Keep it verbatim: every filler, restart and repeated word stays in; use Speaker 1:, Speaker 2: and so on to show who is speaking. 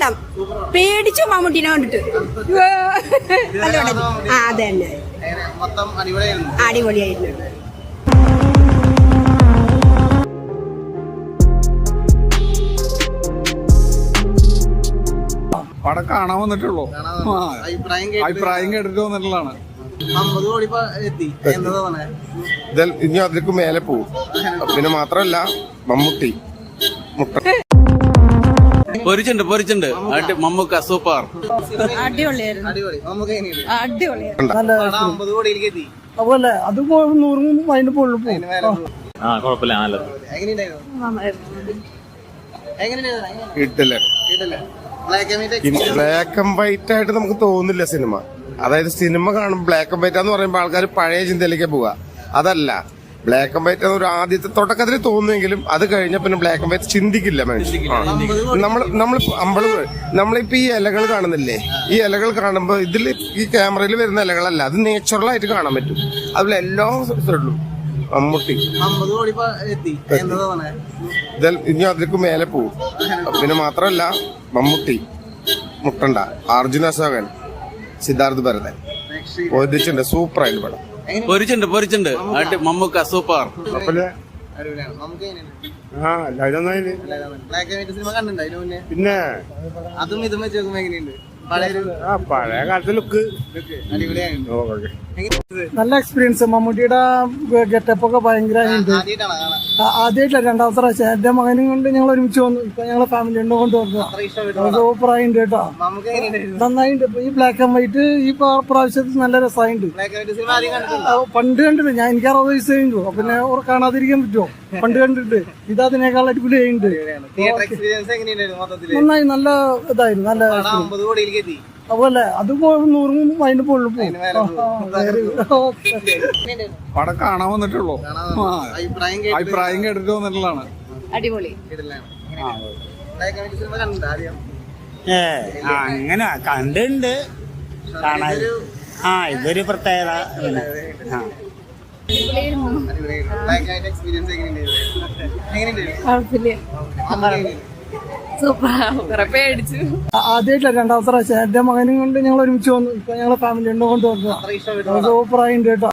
Speaker 1: പടം പേടിച്ചു മമ്മൂട്ടിനെ കണ്ടിട്ട്. നല്ല പടം. ആ അതെ തന്നെ, അടിപൊളിയായിരുന്നു.
Speaker 2: പടം കാണാൻ വന്നിട്ടുള്ളൂ. അഭിപ്രായം കേട്ടിട്ട് വന്നിട്ടുള്ളതാണ്.
Speaker 3: ഇനി അതിലേക്ക് മേലെ പോവും. പിന്നെ മാത്രല്ല മമ്മൂട്ടി
Speaker 4: പൊരിച്ചുണ്ട് പൊരിച്ചുണ്ട് മമ്മൂക്ക സൂപ്പർ.
Speaker 1: അടിപൊളിയായിരുന്നു.
Speaker 5: അതുപോലെ അത് നൂറും അതിന്റെ പൊള്ളു
Speaker 4: ആ കുഴപ്പമില്ല, നല്ലത്.
Speaker 3: ഇട്ടില്ല. ബ്ലാക്ക് ആൻഡ് വൈറ്റ് ആയിട്ട് നമുക്ക് തോന്നില്ല സിനിമ. അതായത് സിനിമ കാണും ബ്ലാക്ക് ആൻഡ് വൈറ്റ് എന്ന് പറയുമ്പോൾ ആൾക്കാർ പഴയ ചിന്തയിലേക്ക് പോവുക. അതല്ല, ബ്ലാക്ക് ആൻഡ് വൈറ്റ് ഒരു ആദ്യത്തെ തുടക്കത്തിൽ തോന്നുമെങ്കിലും അത് കഴിഞ്ഞ പിന്നെ ബ്ലാക്ക് ആൻഡ് വൈറ്റ് ചിന്തിക്കില്ല മനുഷ്യൻ. നമ്മൾ നമ്മൾ അമ്പള് നമ്മളിപ്പോ ഈ ഇലകൾ കാണുന്നില്ലേ, ഈ ഇലകൾ കാണുമ്പോൾ ഇതിൽ ഈ ക്യാമറയിൽ വരുന്ന ഇലകളല്ല, അത് നേച്ചുറൽ ആയിട്ട് കാണാൻ പറ്റും. അതിൽ എല്ലാ സ്ഥലത്തും മമ്മൂട്ടി ഇനി അതിലേക്ക് മേലെ പോവും. പിന്നെ മാത്രല്ല മമ്മൂട്ടി മുട്ടണ്ട, അർജുന അശോകൻ, സിദ്ധാർത്ഥ് ഭരതൻ ഒരിച്ചുണ്ട്. സൂപ്പർ ആയിട്ട് പടം.
Speaker 4: പൊരിച്ചുണ്ട് പൊരിച്ചുണ്ട് മമ്മൂക്ക സൂപ്പർ.
Speaker 3: പിന്നെ
Speaker 6: അതും ഇതും വെച്ച് നോക്കുമ്പോ എങ്ങനെയുണ്ട്?
Speaker 3: പഴയ കാലത്തെ ലുക്ക്
Speaker 5: നല്ല എക്സ്പീരിയൻസ്. മമ്മൂട്ടിയുടെ ഗെറ്റപ്പ് ഒക്കെ ഭയങ്കര ആദ്യമായിട്ടില്ല, രണ്ടാമത്തെ പ്രാവശ്യം. എന്റെ മകനും കൊണ്ട് ഞങ്ങൾ ഒരുമിച്ച് വന്നു. ഇപ്പൊ ഞങ്ങളെ ഫാമിലി ഉണ്ടോ കൊണ്ട് വന്നു. സൂപ്പറായിട്ടുണ്ട് കേട്ടോ, നന്നായിട്ടുണ്ട്. ഇപ്പൊ ഈ ബ്ലാക്ക് ആൻഡ് വൈറ്റ് ഈ പ്രാവശ്യത്തിൽ നല്ല രസമായിട്ടുണ്ട്. പണ്ട് കണ്ടിട്ടുണ്ട് ഞാൻ, എനിക്ക് അറുപത് വയസ്സ് കഴിഞ്ഞു. പിന്നെ കാണാതിരിക്കാൻ പറ്റുമോ? പണ്ട് കണ്ടിട്ട് ഇത് അതിനേക്കാൾ അടിപൊളിയായിട്ടുണ്ട്. നന്നായി, നല്ല ഇതായിരുന്നു, നല്ല. അതുപോലെ അത് നൂറും അതിന്റെ പൊള്ളു
Speaker 2: പടം കാണാൻ വന്നിട്ടുള്ളൂ. അഭിപ്രായം കേട്ടിട്ട് വന്നിട്ടുള്ളതാണ്.
Speaker 1: അടിപൊളി.
Speaker 7: ഏ അങ്ങനെ കണ്ടുണ്ട് കാണാൻ. ആ ഇതൊരു പ്രത്യേകത.
Speaker 5: ആദ്യമായിട്ടില്ല, രണ്ടാമത്തെ പ്രാവശ്യം. എന്റെ മകനും കൊണ്ട് ഞങ്ങൾ ഒരുമിച്ച് വന്നു. ഇപ്പൊ ഞങ്ങളെ ഫാമിലി ഉണ്ടോ കൊണ്ട് വന്നു. സൂപ്പറായിട്ടുണ്ട് കേട്ടോ.